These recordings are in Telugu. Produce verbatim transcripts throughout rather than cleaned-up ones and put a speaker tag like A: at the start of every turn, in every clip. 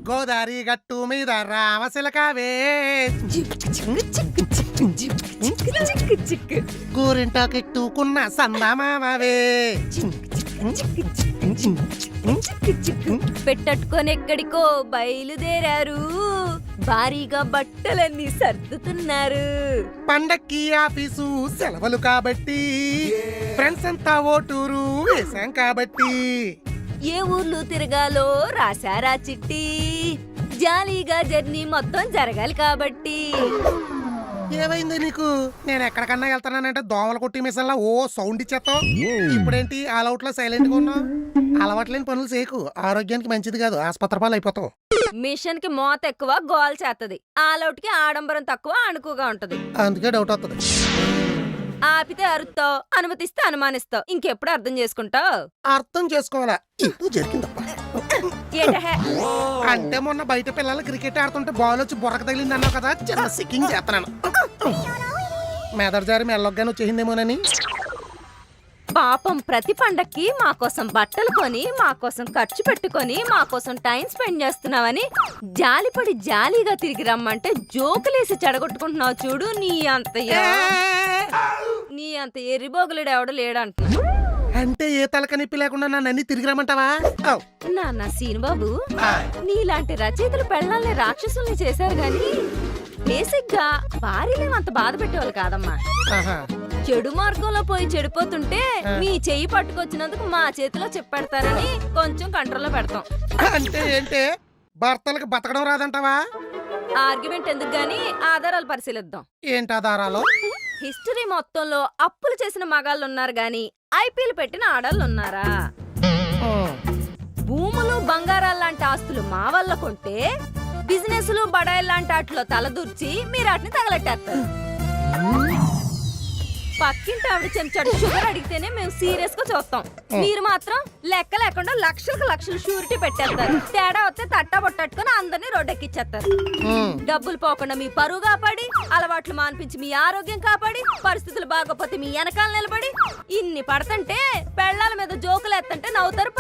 A: గోదారి గట్టు మీద రామశిలకావే గోరింటాకెట్టుకున్న సందమావే
B: పెట్టట్టుకొని ఎక్కడికో బయలుదేరారు, భారీగా బట్టలన్నీ సర్దుతున్నారు.
A: పండక్కి ఆఫీసు సెలవులు కాబట్టి ఫ్రెండ్స్ అంతా ఓటూరు వేశాం కాబట్టి
B: ఏ ఊర్లు తిరగాలో రాశారా చిట్టి, జాలీగా జర్నీ మొత్తం జరగాలి కాబట్టి.
A: ఏమైంది నీకు? నేను ఎక్కడికన్నా వెళ్తానంటే దోమల కొట్టి మిషన్లా ఓ సౌండ్ ఇచ్చేస్తావు. ఇప్పుడేంటి ఆల్అవుట్ లో సైలెంట్ గా ఉన్నావు? అలవాట్లేని పనులు చేయకు, ఆరోగ్యానికి మంచిది కాదు, ఆసుపత్రి పాలు అయిపోతావు.
B: మిషన్ కి మోత ఎక్కువ గోల్ చేస్తది, ఆల్అవుట్ కి ఆడంబరం తక్కువ అణుకుగా ఉంటది.
A: అందుకే డౌట్ వస్తుంది.
B: ఆపితే అరుస్తావు, అనుమతిస్తే అనుమానిస్తావు. ఇంకెప్పుడు అర్థం చేసుకుంటావు?
A: అర్థం చేసుకోవాలా? ఇప్పుడు జరిగిందప్ప. అంటే మొన్న బయట పిల్లలు క్రికెట్ ఆడుతుంటే బాల్ వచ్చి బొరక తగిలింది అన్నావు కదా, చిన్న సిక్కింగ్ చేస్తున్నాను. మెదడు జారి మెల్లొగ్గానే వచ్చేసిందేమోనని.
B: పాపం ప్రతి పండక్కి మా కోసం బట్టలు కొని, మా కోసం ఖర్చు పెట్టుకొని, మా కోసం టైం స్పెండ్ చేస్తున్నావని జాలిపడి జాలీగా తిరిగి రమ్మంటే జోకులేసి చెడగొట్టుకుంటున్నావు చూడు. నీ అంత నీ అంత ఎర్రిబోగులుడు ఎవడు లేడంటున్నా.
A: అంటే ఏ తలక నొప్పి లేకుండా నన్ను అన్ని తిరిగి రమ్మంటావా?
B: నాన్న సీనుబాబు, నీలాంటి రచయితలు పెళ్ళాలని రాక్షసుల్ని చేశారు గాని బేసిక్ గా భార్యలేమంత బాధ పెట్టేవాళ్ళు కాదమ్మా. చెడు మార్గంలో పోయి చెడిపోతుంటే మీ చెయ్యి పట్టుకొచ్చినందుకు మా చేతిలో చెప్పెడతారని కొంచెం కంట్రోల్లో పెడతాం.
A: అంటే ఏంటే భర్తలకు బతకడం రాదంటావా?
B: ఆర్గ్యుమెంట్ ఎందుకు గాని ఆధారాలు పరిశీలిద్దాం.
A: ఏంటి ఆధారాలు?
B: హిస్టరీ మొత్తంలో అప్పులు చేసిన మగాళ్ళు ఉన్నారు గాని ఐపీఎల్ పెట్టిన ఆడాళ్ళు ఉన్నారా? భూములు బంగారాలు లాంటి ఆస్తులు మా వల్ల కొంటే బిజినెస్లు బడాయిల్ లాంటి వాటిలో తలదూర్చి మీరు వాటిని తగలెట్టేస్తారు. పక్కింటి ఆవిడ చెంచాడు షుగర్ అడిగితేనే మేము సీరియస్ గా చూస్తాం. మీరు మాత్రం లెక్క లేకుండా లక్షలకు లక్షలు షూరిటీ పెట్టేస్తారు. తేడా వస్తే తట్టా పొట్టట్టుకుని అందరినీ రోడ్డెక్కిచ్చేస్తారు. డబ్బులు పోకుండా మీ పరువు కాపాడి, అలవాట్లు మాన్పించి మీ ఆరోగ్యం కాపాడి, పరిస్థితులు బాగోపోతే మీ వెనకాల నిలబడి ఇన్ని పడుతుంటే పెళ్ళాల మీద జోకులు ఎత్తంటే నవ్వుతారు.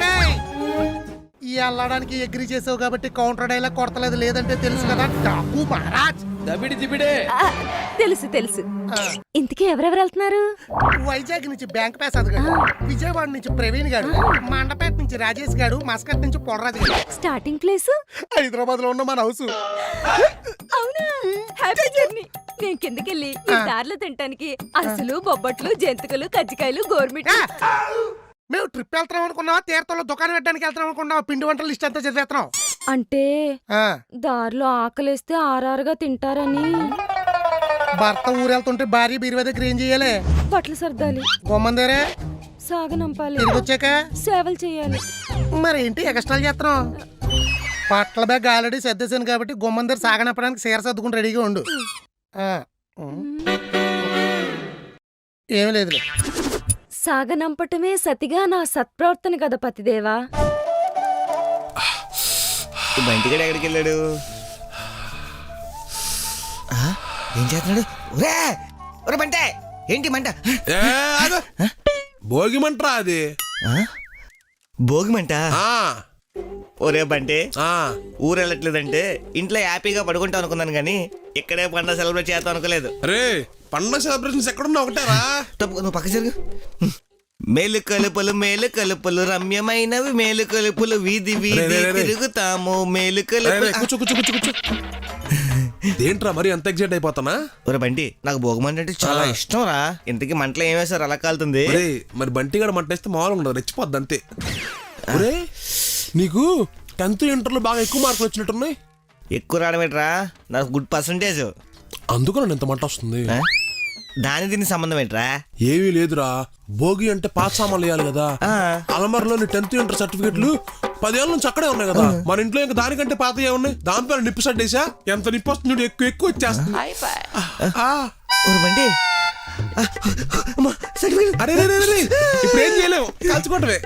A: ఈ అల్లడానికి ఎగ్రీ చేసావు కాబట్టి కౌంటర్ డైలాగ్ కొడతలేదు, లేదంటే తెలుసు కదా డాకు మహారాజ్.
B: తెలుసు తెలుసు. ఇంతకీ ఎవరెవరు వెళ్తున్నారు?
A: వైజాగ్ నుంచి బ్యాంక్ పాస్ అదిగాడు, విజయవాడ నుంచి ప్రవీణ్ గాడు, మండపేట నుంచి రాజేష్ గాడు, మస్కట్ నుంచి పొడరాజు గాడు.
B: స్టార్టింగ్ ప్లేస్
A: హైదరాబాద్ లో ఉన్న మన హౌస్.
B: అవునా? Happy journey. నేను కిందకెళ్ళి ఈ దారిలో తినటానికి అసలు బొబ్బట్లు, జంతికలు, కజ్జికాయలు, గోర్మిట్.
A: మేము ట్రిప్ వెళ్తాం అనుకున్నావా? తీర్థంలో దుకాణం పెట్టడానికి వెళ్తాం అనుకున్నావా? పిండి వంటల లిస్ట్ అంతా చదివేస్తున్నాం.
B: అంటే దారిలో ఆకలిస్తే ఆరారుగా తింటారని.
A: భర్త ఊరెళ్తుంటే భార్య బీరువా దగ్గర ఏం చెయ్యాలి?
B: బట్టలు సర్దాలి,
A: గొమ్మందేరే
B: సాగనంపాలి,
A: తిరిగి వచ్చాక సేవలు
B: చేయాలి.
A: మరి ఏంటి ఎక్స్ట్రాలు చేస్తున్నాం? బట్టల బ్యాగ్ ఆల్రెడీ సర్దేశాను కాబట్టి గుమ్మందేరు సాగనంపడానికి సీర సర్దుకుని రెడీగా ఉండు. ఏమీ లేదులే.
B: సాగనంపటమే సతిగా నా సత్ప్రవర్తన కదా పతిదేవా.
C: బంటిగాడు ఎక్కడికి వెళ్ళాడు? ఏం చేస్తున్నాడు? బంటే ఏంటి మంట?
D: భోగి మంటరా అది?
C: భోగి మంట? ఒరే బంటే, ఊరు వెళ్ళట్లేదంటే ఇంట్లో హ్యాపీగా పడుకుంటా అనుకున్నాను గానీ ఇక్కడే పండుగ సెలబ్రేట్ చేద్దాం అనుకోలేదు.
D: రే పండుగ సెలబ్రేషన్స్ ఎక్కడున్నా ఒకటారా?
C: నువ్వు పక్క జరుగు. మేలు కలుపులు మేలు కలుపులు రమ్యమైనవి మేలు కలుపులు వీధి వీధి తిరుగుతాము మేలు కలుపులు.
D: ఏంట్రా మరి అంత ఎగ్జైట్ అయిపోతానా?
C: ఒరే బంటి, నాకు భోగమంట అంటే చాలా ఇష్టం రా. ఇంతకీ మంటలో ఏం వేసారు అలా కాలుతుంది?
D: మరి బంటి గడ మంట వేస్తే మామూలుగా ఉండదు, రెచ్చిపోద్ది అంతే. ఒరే నీకు టెన్త్ ఇంటర్లో బాగా ఎక్కువ మార్కులు వచ్చినట్టున్నాయి.
C: ఎక్కువ రావడం ఏంట్రా? నాకు గుడ్ పర్సంటేజ్,
D: అందుకు నన్ను ఎంత మంట వస్తుంది.
C: దాని దీనికి సంబంధం ఏంట్రా?
D: ఏమీ లేదురా, భోగి అంటే పాత సామాన్లు వేయాలి కదా. అలమరలోని టెన్త్ ఇంటర్ సర్టిఫికెట్లు పదేళ్ళ నుంచి అక్కడే ఉన్నాయి కదా. మన ఇంట్లో ఇంకా దానికంటే పాత ఏమున్నాయి? దానిపైన నిప్పు సడ్డేసా ఎంత నిప్పు వస్తుంది, ఎక్కువ ఎక్కువ వచ్చేస్తుంది. అరే ఇప్పుడు ఏం చేయలేవు, కాల్చుకోవటమే.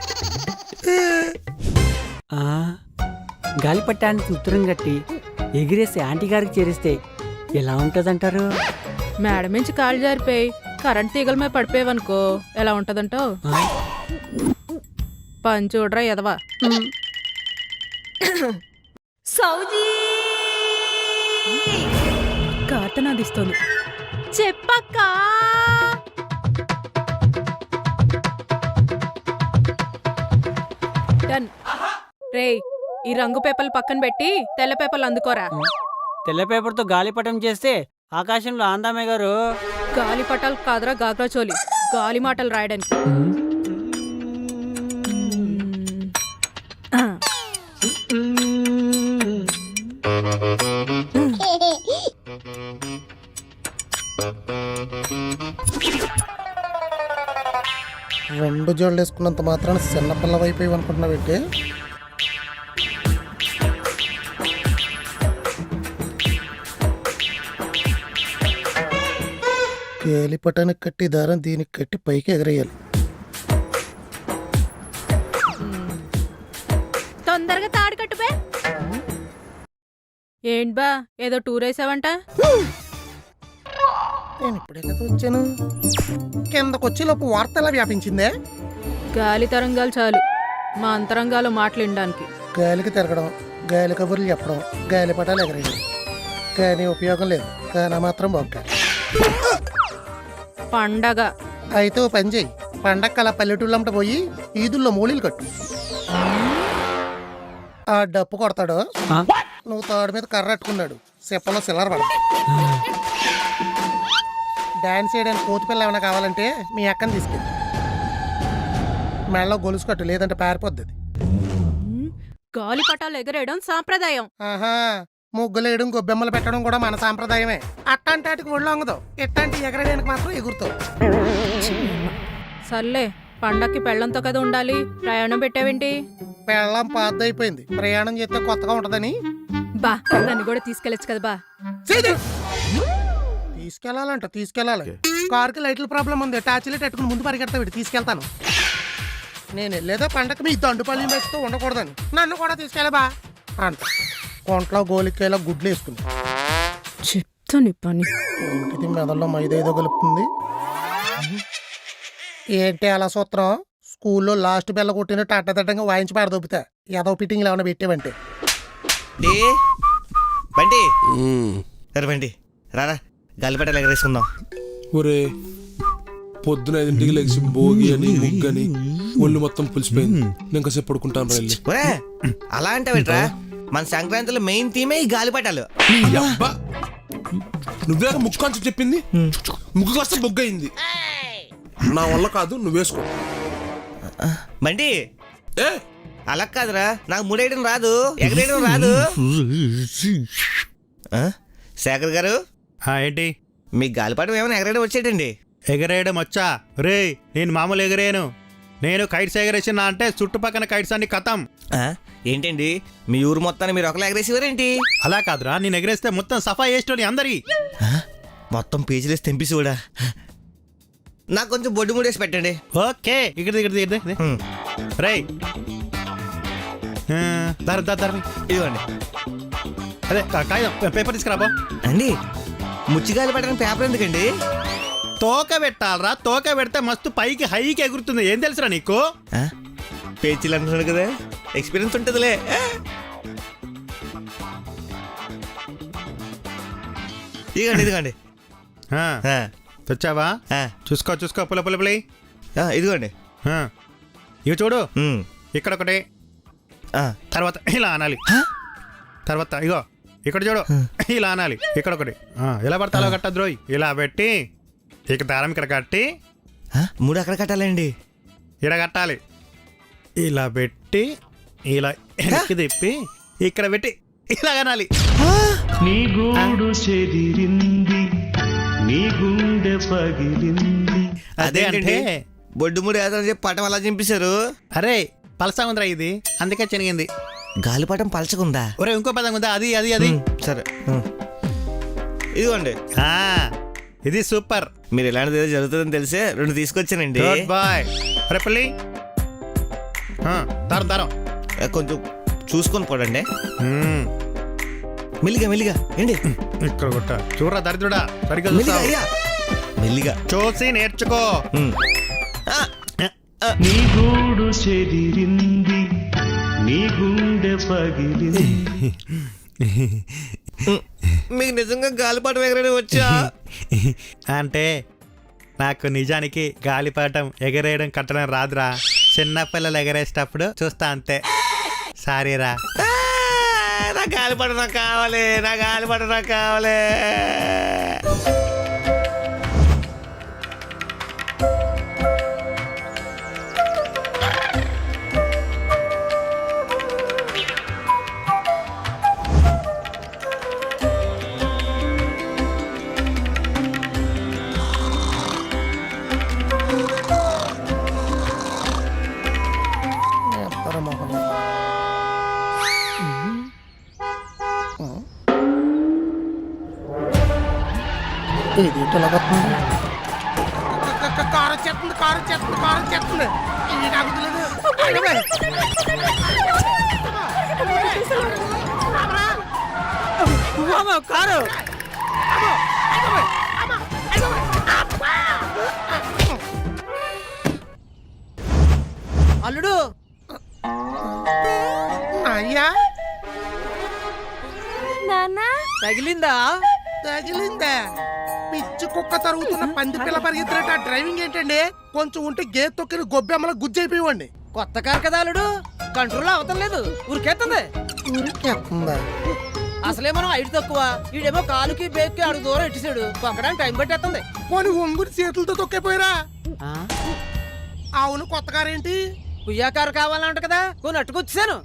E: గాలిపట్టానికి ఉత్తరం కట్టి ఎగిరేసి ఆంటీ గారికి చేరిస్తే ఎలా ఉంటదంటారు?
F: మేడ నుంచి కాళ్ళు జారిపోయి కరెంట్ తీగల మీద పడిపోయావనుకో ఎలా ఉంటదంటావు? పని చూడరా ఎదవా.
B: సౌజీ
F: కార్తనాదిస్తోంది. చెప్పక్క. డన్. రేయ్, ఈ రంగు పేపర్లు పక్కన పెట్టి తెల్ల పేపర్లు అందుకోరా.
E: తెల్ల పేపర్తో గాలిపటం చేస్తే ఆకాశంలో ఆందామే గారు.
F: గాలి పటాలు కాదురా గాగ్రాచోలి, గాలి మాటలు రాయడానికి. ఆ.
A: రెండు జోళ్ళు వేసుకున్నంత మాత్రాన చిన్నపిల్ల వైపు అనుకుంటున్నావు ఏంటి? గాలిపటానికి కట్టి దారం దీనికి కట్టి పైకి ఎగరేయాలి.
F: తొందరగా తాడు కట్టుపే. ఏంటి బా, ఏదో టూర్ వేసావంట?
A: నేను ఇప్పుడే కదా వచ్చాను. కిందకు వచ్చేలోపు వార్త ఎలా వ్యాపించిందే?
F: గాలి తరంగాలు చాలు మా అంతరంగాలు మాట్లాడడానికి.
A: గాలికి తిరగడం, గాలి కబుర్లు చెప్పడం, గాలిపటాలు ఎగరేయడం, కానీ ఉపయోగం లేదు. కానీ మాత్రం బొక్క.
F: పండగ
A: అయితే ఓ పని చెయ్యి, పండగ అలా పల్లెటూళ్ళంట పోయి ఈదుల్లో మూలీలు కట్టు. ఆ డప్పు కొడతాడు, నువ్వు తాడు మీద కర్ర అట్టుకున్నాడు, చెప్పలో సిల్లర్ పడ. డాన్స్ చేయడానికి కోతి పిల్ల ఏమైనా కావాలంటే మీ అక్కని తీసుకెళ్ళి మెడలో గొలుసు కట్టు, లేదంటే పారిపోద్ది అది.
F: గాలి పటాలు ఎగరేయడం సాంప్రదాయం.
A: ఆహా, ముగ్గులేయడం గొబ్బెమ్మలు పెట్టడం కూడా మన సాంప్రదాయమే. అట్టాంటాటికి ఒళ్ళు వంగదు, ఎట్టాంటి ఎగరడానికి మాత్రం ఎగురుతావు.
F: సర్లే, పండక్కి పెళ్ళంతో కదా ఉండాలి, ప్రయాణం పెట్టావేంటి?
A: పెళ్ళం పాత అయిపోయింది, ప్రయాణం చేస్తే కొత్తగా ఉంటదని.
F: బా, నన్ను కూడా తీసుకెళ్ళచ్చు కదా బా.
A: తీసుకెళ్లాలంట, తీసుకెళ్ళాలి. కారుకి లైట్ల ప్రాబ్లం ఉంది, టార్చ్ లైట్ పెట్టుకుని ముందు పరిగెడతా వీడు, తీసుకెళ్తాను. నేను వెళ్ళేదో పండగ మీ దండుపల్లి వేస్తూ ఉండకూడదని, నన్ను కూడా తీసుకెళ్ళా బా అంట. కొంట్లో గోలికాయలా గుడ్లు వేసుకుని
F: చెప్తాను పని.
A: ఇంటిది మెదల్లో మైదేదో కలుపుతుంది. ఏంటి అలా సూత్రం? స్కూల్లో లాస్ట్ బెల్ల కొట్టినట్టు అడ్డదడ్డంగా వాయించి పాడదొబ్బుతా. ఏదో ఫిట్టింగ్లు ఏమైనా పెట్టావంటే.
C: డే బండి సరే బండి రారా, గాలిపటాలు ఎగరేసుకుందాం.
D: ఒరే, పొద్దున ఐదింటికి లెగిసి భోగి అని ముగ్గని ఒళ్ళు మొత్తం పులిసిపోయింది. నేను కాసేపు పడుకుంటాను వెళ్ళి.
C: ఒరే అలా అంటావేట్రా, మన సంక్రాంతిలో మెయిన్ థీమే ఈ గాలిపటాలు.
D: అబ్బా, నువ్వే ముక్కు కాంచి చెప్పింది. ముక్కు కాస్త బొగ్గయింది. నా వల్ల కాదు, నువ్వు వేసుకో.
C: బండి
D: ఏ
C: అలా కాదురా, నాకు ముడేయడం రాదు, ఎగరేయడం రాదు. ఆ? శేఖర్ గారు,
G: ఏంటి
C: మీ గాలిపటం ఏమైనా ఎగరేయడం వచ్చేటండి?
G: ఎగరేయడం వచ్చా? రే, నేను మామూలు ఎగరేయను. నేను కైట్స్ ఎగరేసిన అంటే చుట్టుపక్కల కైట్స్ అన్ని కథం.
C: ఆ? ఏంటండి మీ ఊరు మొత్తాన్ని మీరు ఒకలా ఎగరేసేవారేంటి?
G: అలా కాదురా, నేను ఎగరేస్తే మొత్తం సఫా చేసేటోని అందరి.
C: ఆ? మొత్తం పేజీలేసి తెంపిసి కూడా. నాకు కొంచెం బొడ్డు ముడేసి పెట్టండి.
G: ఓకే, ఇక్కడ ఇక్కడ ఇక్కడ
C: హ్మ్.
G: రే దారి దారి దారి
C: ఇదిగోండి.
G: అదే కా- కాగితం పేపర్ తీసుకురాబో.
C: అండి ముచ్చి గాలిపటానికి పేపర్ ఎందుకండి?
G: తోక పెట్టాలరా, తోక పెడితే మస్తు పైకి హైకి ఎగురుతుంది. ఏం తెలుసురా నీకు?
C: ఆ? పేచీలు అంటున్నాడు కదా, ఎక్స్పీరియన్స్ ఉంటుందిలే. ఆ? ఇదిగోండి ఇదిగోండి.
G: ఆ,
C: ఆ,
G: తెచ్చావా?
C: ఆ,
G: చూసుకో చూసుకో, పుల పుల పులి.
C: ఆ, ఇదిగోండి.
G: ఇవి చూడు,
C: ఉమ్,
G: ఇక్కడ ఒకటి,
C: ఆ.
G: తర్వాత ఇలా అనాలి, తర్వాత ఇగో ఇక్కడ చూడు ఇలా అనాలి, ఇక్కడ ఒకటి. ఆ, ఇలా పడితే అలా కట్ట ద్రోయ్, ఇలా పెట్టి ఇక దారం ఇక్కడ కట్టి
C: ఆ? మూడు అక్కడ కట్టాలండి.
G: ఇక్కడ కట్టాలి. ఇలా పెట్టి ఇలా వెనక్కి తిప్పి ఇక్కడ పెట్టి ఇలా అనాలి.
H: నీ గూడు చెదిరింది, నీ గుండె పగిలింది.
G: అదే అంటే
C: బొడ్డు మూడు వేద్దామని చెప్పి పటం అలా చింపేశారు.
G: అరే పలసా ఉందిరా ఇది, అందుకే చెనిగింది.
C: గాలిపటం పలచకుందా?
G: ఒరే ఇంకో పదం ఉందా? అది అది అది
C: ఉమ్, సరే. ఉమ్. ఇదిగోండి.
G: ఆ, ఇది సూపర్.
C: మీరు ఇలాంటిది ఏదో జరుగుతుందని తెలిసే రెండు తీసుకొచ్చానండి.
G: Good boy. అరే పల్లి, ఆ, దారం దారం
C: ఏ, కొంచెం చూసుకొని పోడండి.
G: మ్మ్.
C: మెల్లిగా మెల్లిగా ఏంటి?
G: ఇక్కడ కొట్ట చూడరా దరిద్రుడా, సరిగ్గా
C: మెల్లిగా
G: చూస్తావా?
C: అయ్యా మెల్లిగా.
G: చూసి నేర్చుకో.
C: ఉమ్. ఆ,
H: నీ గూడు చెదిరింది, నీ గుండె పగిలింది.
C: మీకు నిజంగా గాలిపాట ఎగరడం వచ్చా?
G: అంటే నాకు నిజానికి గాలిపటం ఎగరేయడం కట్టడం రాదురా. చిన్నపిల్లలు ఎగరేసేటప్పుడు చూస్తా అంతే. సారీరా.
C: ఆ, నా గాలిపాట నాకు కావాలి, నా గాలిపాట నాకు కావాలి.
A: ఎత్తరా మొహం. ఇది ఇట్లా వస్తుంది. క- క- కారు వచ్చేస్తుంది, కారు వచ్చేస్తుంది, కారు వచ్చేస్తుంది. ఇది నాకు తెలియదు. అయ్యో బాయ్.
E: కారు అల్లుడు
A: అయ్యా
B: నాన్న
E: తగిలిందా?
A: తగిలిందా? పిచ్చి కుక్క తరుగుతున్న పంది పిల్ల పరిగెత్తినట్టు ఆ డ్రైవింగ్ ఏంటండి? కొంచెం ఉంటే గేట్ తొక్కిన గొబ్బెమ్మల గుజ్జైపోయివ్వండి.
E: కొత్త కారు కదా అల్లుడు, కంట్రోల్ అవతం లేదు, ఊరికెత్తుంది.
A: ఊరికేస్తుందా?
E: అసలే మనం ఐదు తక్కువ, ఈడేమో కాలుకి బేక్కి అడుగు దూరం ఇట్టిసాడు, పక్కడానికి టైం పట్టేస్తుంది.
A: పోనీ ఒంగుని చేతులతో తొక్కిపోయారా? అవును, కొత్త కారేంటి?
E: పుయ్యా కారు కావాలంట కదా, కొన్ని అట్టుకొచ్చాను.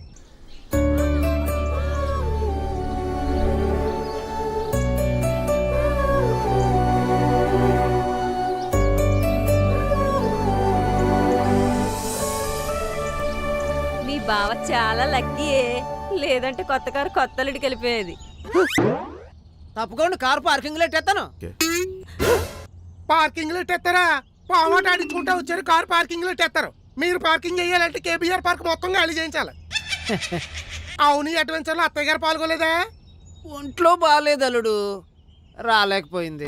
B: మీ బావ చాలా లక్కీయే, లేదంటే కొత్త కారు కొత్త అల్లుడికి వెళ్ళిపోయేది.
E: తప్పకుండా కారు పార్కింగ్ లో ఎట్టేస్తాను.
A: పార్కింగ్ లో ఎట్టేస్తారా? పావాట ఆడించుకుంటా వచ్చారు, కారు పార్కింగ్ లో ఎట్టేస్తారు. మీరు పార్కింగ్ చేయాలంటే కేబీఆర్ పార్క్ మొత్తం ఖాళీ చేయించాలి. అవును, ఈ అడ్వెంచర్ లో అత్తయ్య గారు పాల్గొలేదా?
E: ఒంట్లో బాగాలేదు అల్లుడు, రాలేకపోయింది.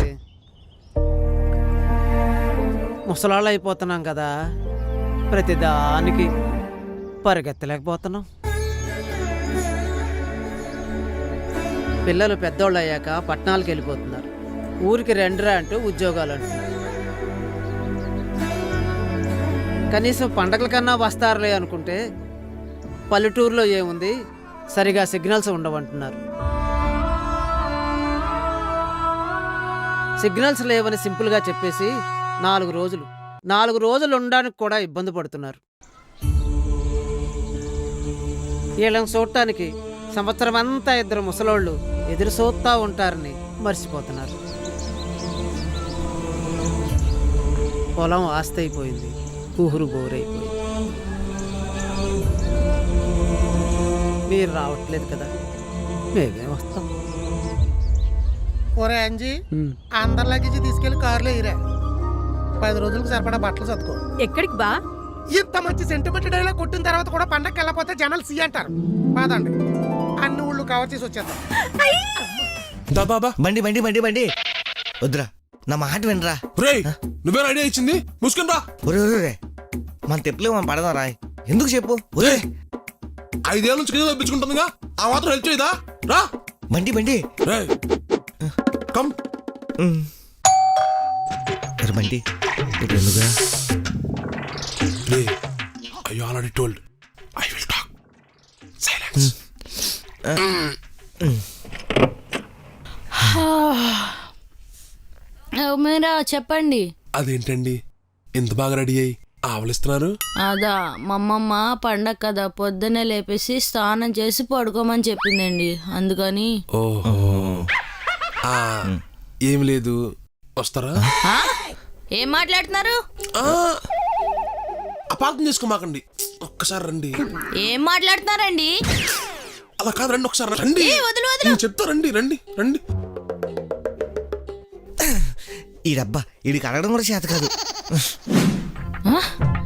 E: ముసలాళ్ళు అయిపోతున్నాం కదా, ప్రతిదానికి పరిగెత్తలేకపోతున్నాం. పిల్లలు పెద్దోళ్ళు అయ్యాక పట్టణాలకు వెళ్ళిపోతున్నారు, ఊరికి రెండురా అంటూ ఉద్యోగాలు అంటున్నారు. కనీసం పండగల కన్నా వస్తారులే అనుకుంటే పల్లెటూరులో ఏముంది, సరిగా సిగ్నల్స్ ఉండవంటున్నారు. సిగ్నల్స్ లేవని సింపుల్గా చెప్పేసి నాలుగు రోజులు నాలుగు రోజులు ఉండడానికి కూడా ఇబ్బంది పడుతున్నారు. వీళ్ళని చూడటానికి సంవత్సరం అంతా ఇద్దరు ముసలోళ్ళు ఎదురు చూస్తూ ఉంటారని మర్చిపోతున్నారు. పొలం ఆస్తి అయిపోయింది, ఊహురు బోరైపోయింది. మీరు రావట్లేదు కదా, మేమే వస్తాం.
A: ఒరే అంజీ, అందరి లగేజీ తీసుకెళ్లి కారులో ఇరా. పది రోజులకు సరిపడా బట్టలు చదువుకో.
F: ఎక్కడికి బా?
A: ఇంత మంచి సెంటిమెంట్ డైలా కొట్టిన తర్వాత కూడా పండగకి వెళ్ళకపోతే జనాలు సి అంటారు. కాదండి, అన్ని ఊళ్ళు కవర్ చేసి వచ్చేద్దాం.
D: దాదా
C: బండి బండి బండి బండి వద్దురా, నా మాట వినరా.
D: రేయ్, నువ్వేం ఐడియా ఇచ్చింది? ముసుకుని రా.
C: ఒరే ఒరే ఒరే, మన తెప్పులే మనం పడదాం రా. ఎందుకు చెప్పు? ఒరే,
D: ఐదేళ్ళ నుంచి కింద తప్పించుకుంటుందిగా, ఆ మాత్రం హెల్ప్ చేయదా? రా.
C: బండి బండి
D: రేయ్, కమ్.
C: ఉమ్. ఒరే బండి, ఇప్పుడు ఎందుకురా?
D: రేయ్, I already told I will talk. Silence.
I: మీరా చెప్పండి.
D: అదేంటండి ఇంత బాగా రెడీ అయ్యి ఆవలిస్తున్నారు?
I: అదా మా అమ్మమ్మ పండగ కదా, పొద్దున్నే లేపేసి స్నానం చేసి పడుకోమని చెప్పిందండి, అందుకని.
D: ఓహో, ఏం లేదు, వస్తారా?
I: ఆ? ఏం మాట్లాడుతున్నారు?
D: అపార్థం చేసుకోమాకండి, ఒక్కసారి రండి.
I: ఏం మాట్లాడుతున్నారండి?
D: అలా కాదు, రండి ఒకసారి రండి.
I: ఏ, వదిలు, వదిలు.
D: నేను చెప్తా, రండి రండి రండి.
C: ఈ డబ్బా వీడికి అడగడం కూడా చేత కాదు.
I: ఆ?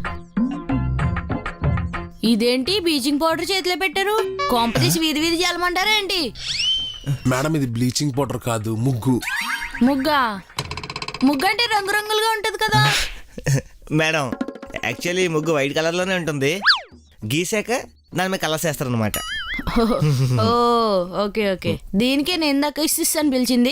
I: ఇదేంటి బ్లీచింగ్ పౌడర్ చేతిలో పెట్టారు? కొంపతీసి వీధి వీధి చల్లమంటారా ఏంటి?
D: మేడం, ఇది బ్లీచింగ్ పౌడర్ కాదు, ముగ్గు.
I: ముగ్గా? ముగ్గు అంటే రంగురంగులుగా ఉంటది కదా.
C: మేడం, యాక్చువల్లీ ముగ్గు వైట్ కలర్ లోనే ఉంటుంది, గీసాక దాని మీద కలర్స్ వేస్తారు అనమాట.
I: ఓ ఓకే ఓకే, దీనికే నేను ఇందాక ఇస్తాను పిలిచింది.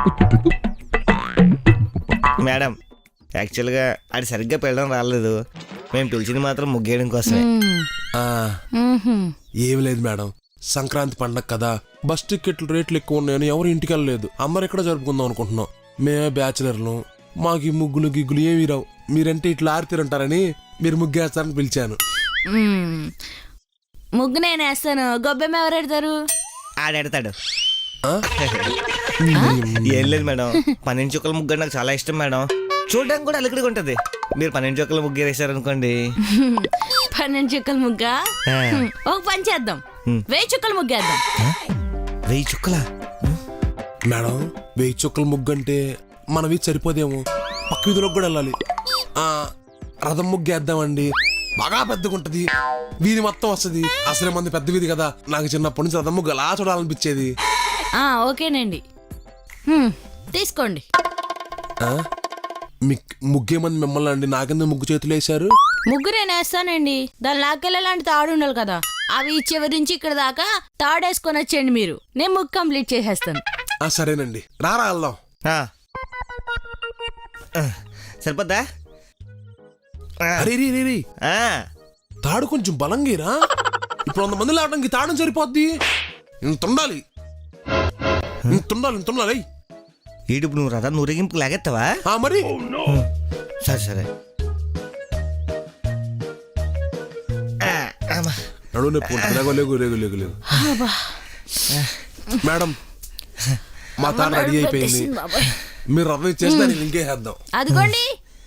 C: మేడం యాక్చువల్గా అది సరిగ్గా పెళ్ళడం రాలేదు, మేము పిలిచింది మాత్రం ముగ్గేయడం కోసమే.
I: మ్మ్.
D: ఆ,
I: మ్మ్హ్మ్.
D: ఏమి లేదు మేడం, సంక్రాంతి పండగ కదా, బస్ టికెట్లు రేట్లు ఎక్కువ ఉన్నాయని ఎవరు ఇంటికి వెళ్ళలేదు, అందరు ఇక్కడ జరుపుకుందాం అనుకుంటున్నాం. మేమే బ్యాచులర్లు, మాకు ఈ ముగ్గులు గిగ్గులు ఏమి రావు, మీరంటే ఇట్లా ఆరితీరంటారని మీరు ముగ్గేస్తారని పిలిచాను.
I: మ్మ్. ముగ్గు నేను వేస్తాను, గొబ్బెమ్మ ఎవరు పెడతారు?
C: ఆడెడతాడు.
D: ఆ?
C: ఏం లేదు మేడం, పన్నెండు చుక్కల ముగ్గు అంటే నాకు చాలా ఇష్టం మేడం. చూడడానికి కూడా అలికడిగా ఉంటది. మీరు పన్నెండు చుక్కల ముగ్గు వేసారనుకోండి.
I: పన్నెండు చుక్కల ముగ్గా?
C: ఆ.
I: ఒక పని చేద్దాం,
C: మ్మ్.
I: వెయ్యి చుక్కల ముగ్గేద్దాం.
C: వెయ్యి చుక్కలా?
D: మేడం వెయ్యి చుక్కల ముగ్గు అంటే మనవి సరిపోదేమో, పక్క వీధిలోకి కూడా వెళ్ళాలి. ఆ, రథం ముగ్గు వేద్దామండి, బాగా పెద్దగా ఉంటది, వీధి మొత్తం వస్తుంది. అసలే మంది పెద్ద వీధి కదా, నాకు చిన్నప్పటి నుంచి రథం ముగ్గు అలా చూడాలనిపించేది.
I: ఆ, ఓకేనండి. మ్మ్. తీసుకోండి.
D: ఆ? మీ ముగ్గేమంది మిమ్మల్ని అండి, నాకెందుకు ముగ్గు చేతులు వేశారు?
I: ముగ్గు నేను వేస్తానండి, దాని లాకెళ్ళలాంటి తాడు ఉండాలి కదా, అవి చివరి నుంచి ఇక్కడ దాకా తాడేసుకొని వచ్చేయండి మీరు, నేను ముగ్గు కంప్లీట్ చేసేస్తాను.
D: ఆ, సరేనండి, రారా వెళ్దాం.
C: ఆ. ఆ, సరిపోద్దా? ఆ.
D: అరే రీ రీ రీ,
C: ఆ.
D: తాడు కొంచెం బలంగీరా, ఇప్పుడు వంద మంది లాగడానికి తాడు సరిపోద్ది, ఇంత ఉండాలి, ఇంత ఉండాలి, ఇంత ఉండాలి.
C: ఈడుపు నువ్వు రథం ఊరేగింపు లాగెత్తావా?
D: ఆ, మరి
C: సరే సరే. ఆ, అమ్మా.
D: నడు నొప్పి ఉంటుంది. లేగు లేగు లేగు లేగు లేగు మేడం, మా తాను రెడీ అయిపోయింది, మీరు రథం ఇచ్చేస్తే నేను ఇంకేసేద్దాం.
I: అదిగోండి.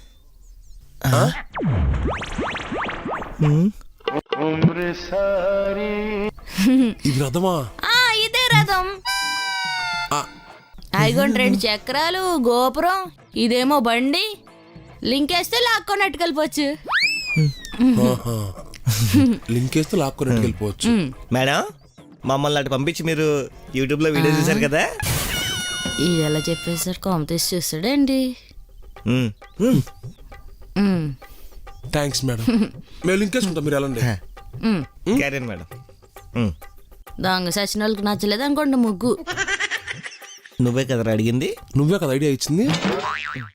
D: ఇది రథమా?
I: ఆ, ఇదే రథం.
D: ఆ,
I: అదిగోండి రెండు చక్రాలు, గోపురం, ఇదేమో బండి, లింకేస్తే లాక్కొని వెళ్ళిపోవచ్చు.
D: ఆహా. లింక్ వేస్తే లాక్కొని వెళ్ళిపోవచ్చు.
C: మేడం మమ్మల్ని అటు పంపించి మీరు యూట్యూబ్లో వీడియో చూసారు కదా.
I: ఇది ఎలా చెప్పేసారు, కాంపిటీస్ చూస్తాడండి.
C: ఉమ్, ఉమ్.
I: మ్మ్.
D: థ్యాంక్స్ మేడం, మేము లింక్ వేసుకుంటాం, మీరు వెళ్ళండి.
I: మ్మ్.
C: Carry on madam. ఉమ్.
I: దొంగ సచిన వాళ్ళకి నచ్చలేదు అనుకోండి ముగ్గు.
C: నువ్వే కదరా అడిగింది.
D: నువ్వే కదా ఐడియా ఇచ్చింది.